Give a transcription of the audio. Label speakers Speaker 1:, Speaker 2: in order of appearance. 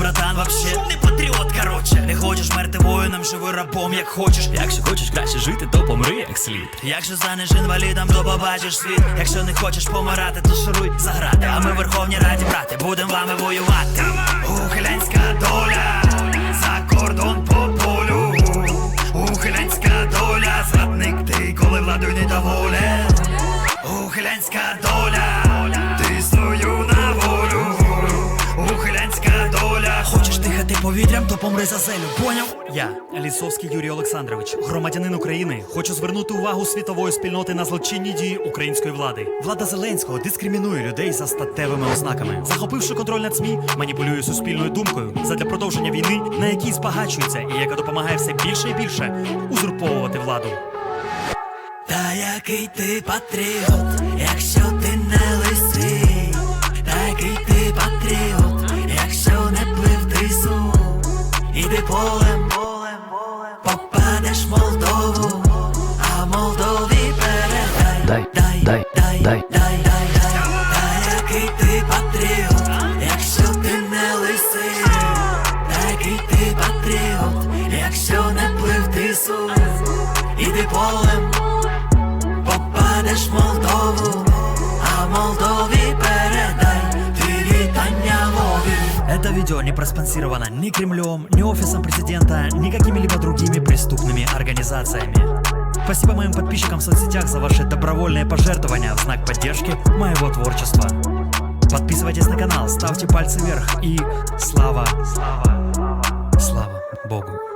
Speaker 1: братан, вообще не патріот, короче. Не хочеш мерти воїном, живи рабом, як хочеш.
Speaker 2: Якщо хочеш краще жити, то помри як слід.
Speaker 1: Якщо станеш інвалідом, то побачиш світ. Якщо не хочеш помирати, то шуруй за грати. А ми в Верховній Раді, брати, будем вами воювати. Ухилянська доля, за кордон по полю. Ухилянська доля, зрадник ти, коли владою недоволен. Ухилянська доля, ти свою на волю. Ухилянська доля. Хочеш дихати повітрям, то помри за зелю, поняв?
Speaker 3: Я, Лісовський Юрій Олександрович, громадянин України, хочу звернути увагу світової спільноти на злочинні дії української влади. Влада Зеленського дискримінує людей за статевими ознаками. Захопивши контроль над СМІ, маніпулює суспільною думкою задля продовження війни, на якій збагачується і яка допомагає все більше і більше узурповувати владу.
Speaker 1: Та який ти патріот, якщо ти не лисий. Та який ти патріот, якщо не плив трісу. Іди полем, попадеш в Молдову, а Молдові передай. Дай. Та який ти патріот, якщо ти не лисий. Та який ти патріот, якщо не плив трісу. Іди полем, попадеш в Молдову, а Молдові передай ти вітання Вові.
Speaker 3: Это видео не проспонсировано ни Кремлем, ни офисом президента, ни какими-либо другими преступными организациями. Спасибо моим подписчикам в соцсетях за ваши добровольные пожертвования в знак поддержки моего творчества. Подписывайтесь на канал, ставьте пальцы вверх и слава Богу.